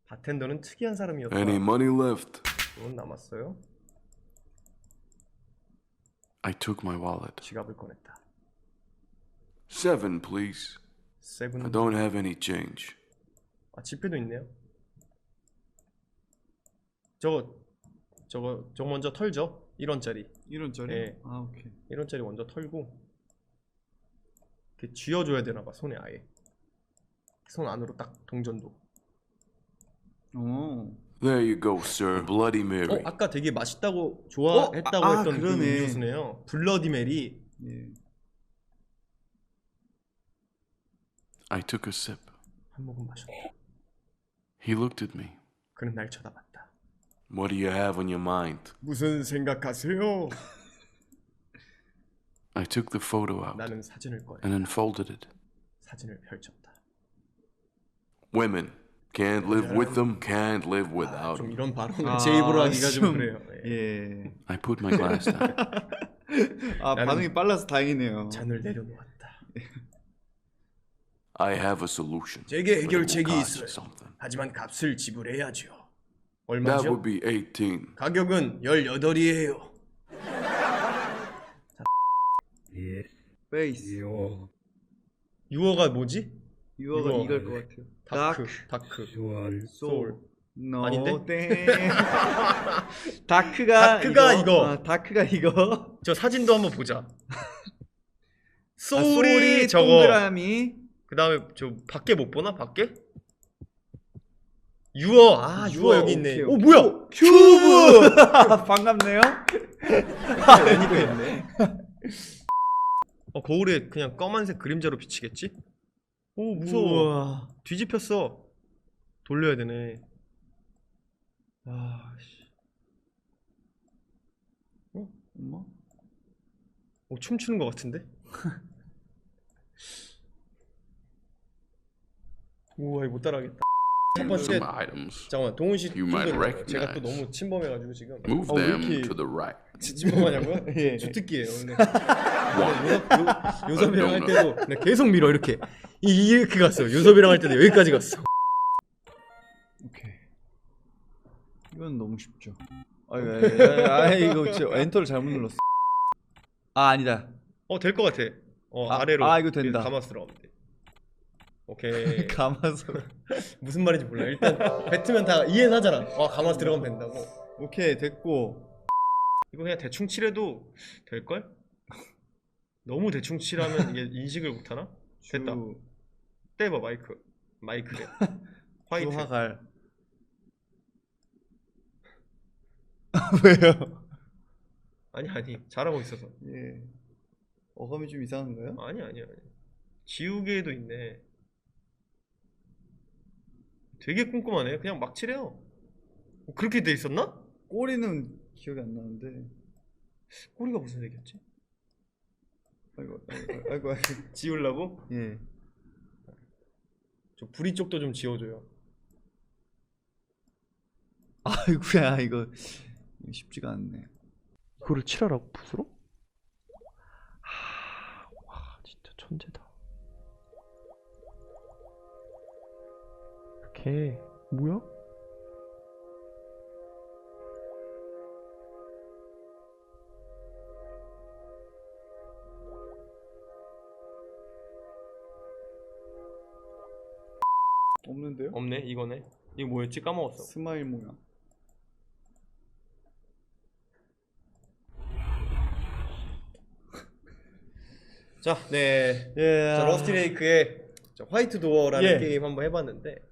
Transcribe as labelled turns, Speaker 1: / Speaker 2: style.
Speaker 1: 바텐더는 특이한 사람이었다.
Speaker 2: Any money left?
Speaker 1: 돈 남았어요?
Speaker 2: I took my wallet.
Speaker 1: 지갑을 꺼냈다.
Speaker 2: 7, please.
Speaker 1: 세븐.
Speaker 2: I don't have any change.
Speaker 1: 아, 지폐도 있네요. 저거 먼저 털죠. 1원짜리.
Speaker 3: 1원짜리?
Speaker 1: 네.
Speaker 3: 아, 오케이.
Speaker 1: 1원짜리 먼저 털고 이렇게 쥐어줘야 되나봐. 손에 아예 손 안으로 딱 동전도.
Speaker 3: 오.
Speaker 2: There you go, sir. Bloody Mary.
Speaker 1: 아까 되게 맛있다고 좋아했다고 했던 그
Speaker 3: 그러네.
Speaker 1: 음료수네요. 블러디 메리.
Speaker 3: 예.
Speaker 2: I took a sip.
Speaker 1: 한 모금 마셨다.
Speaker 2: He looked at me.
Speaker 1: 그는 날 쳐다봤다.
Speaker 2: What do you have on your mind?
Speaker 1: 무슨 생각하세요?
Speaker 2: I took the photo out
Speaker 1: 나는 사진을 꺼내.
Speaker 2: and unfolded it.
Speaker 1: 사진을 펼쳤다.
Speaker 2: Women. Can't live with them, can't live without
Speaker 1: 좀
Speaker 2: them.
Speaker 1: 이런 발언을 제 입으로 하기가 좀 그래요. 예.
Speaker 3: 예.
Speaker 2: I put my glass down.
Speaker 3: 아,
Speaker 1: 나는-
Speaker 3: 반응이 빨라서 다행이네요.
Speaker 1: 잔을 내려놓았다.
Speaker 2: I have a solution.
Speaker 1: 제게
Speaker 2: but it will
Speaker 1: 해결책이
Speaker 2: cost
Speaker 1: 있어요.
Speaker 2: something.
Speaker 1: 하지만 값을 지불해야죠.
Speaker 2: That
Speaker 1: 얼마죠?
Speaker 2: would be 18.
Speaker 1: 가격은 18이에요.
Speaker 3: 페이스.
Speaker 1: 유어가 뭐지?
Speaker 3: 유어가
Speaker 1: 유어.
Speaker 3: 이걸 것 같아요.
Speaker 1: 다크.
Speaker 3: 소울. 노.
Speaker 1: 아닌데?
Speaker 3: 땡. 다크가
Speaker 1: 이거.
Speaker 3: 다크가 이거.
Speaker 1: 저 사진도 한번 보자.
Speaker 3: 소울이
Speaker 1: 소울이 저거.
Speaker 3: 동그라미.
Speaker 1: 그 다음에 저 밖에 못 보나? 밖에? 유어. 유어 여기 있네.
Speaker 3: 오케이,
Speaker 1: 오 뭐야?
Speaker 3: 큐브. 반갑네요.
Speaker 1: 애니가 있네. 거울에 그냥 검은색 그림자로 비치겠지? 오 무서워.
Speaker 3: 우와.
Speaker 1: 뒤집혔어. 돌려야 되네. 씨.
Speaker 3: 엄마?
Speaker 1: 춤추는 것 같은데? 우와 이거 못 따라하겠다. 첫 번째
Speaker 2: Some items.
Speaker 1: 잠깐만 동훈 씨
Speaker 2: You might
Speaker 1: 이거 제가 또
Speaker 2: recognize.
Speaker 1: 너무 침범해가지고 지금
Speaker 2: Move
Speaker 1: 왜
Speaker 2: them
Speaker 1: 이렇게
Speaker 2: to the right.
Speaker 1: 침범하냐고요?
Speaker 3: 예.
Speaker 1: 주특기예요 원래.
Speaker 2: One.
Speaker 1: 요섭이랑 할 때도 그냥 계속 밀어 이렇게 이렇게 갔어. 요섭이랑 할 때도 여기까지 갔어.
Speaker 3: 오케이. 이건 너무 쉽죠. 이거 진짜 엔터를 잘못 눌렀어. 아니다.
Speaker 1: 될 것 같아. 아래로.
Speaker 3: 이거 된다.
Speaker 1: 감아서 들어가면 돼. 오케이.
Speaker 3: 감아서.
Speaker 1: 무슨 말인지 몰라. 일단 뱉으면 다 이해는 하잖아. 감아서 들어가면 된다고.
Speaker 3: 오케이 됐고.
Speaker 1: 이거 그냥 대충 칠해도 될걸? 너무 대충 칠하면 이게 인식을 못하나? 됐다. 떼봐 마이크래. 화이트.
Speaker 3: 주화갈. 왜요?
Speaker 1: 아니 잘하고 있어서.
Speaker 3: 예. 어감이 좀 이상한가요?
Speaker 1: 아니 지우개도 있네. 되게 꼼꼼하네. 그냥 막 칠해요. 그렇게 돼 있었나?
Speaker 3: 꼬리는 기억이 안 나는데.
Speaker 1: 꼬리가 무슨 색이었지?
Speaker 3: 아이고.
Speaker 1: 지우려고?
Speaker 3: 예.
Speaker 1: 저 부리 쪽도 좀 지워줘요.
Speaker 3: 아이고야 이거 쉽지가 않네.
Speaker 1: 이거를 칠하라고 붓으로? 와 진짜 천재다. 이렇게 뭐야?
Speaker 3: 없는데요?
Speaker 1: 없네 이거네. 이거 뭐였지? 까먹었어.
Speaker 3: 스마일 모양.
Speaker 1: 자, 네.
Speaker 3: 예.
Speaker 1: 자, 러스티레이크의 화이트 도어라는
Speaker 3: 예.
Speaker 1: 게임 한번 해봤는데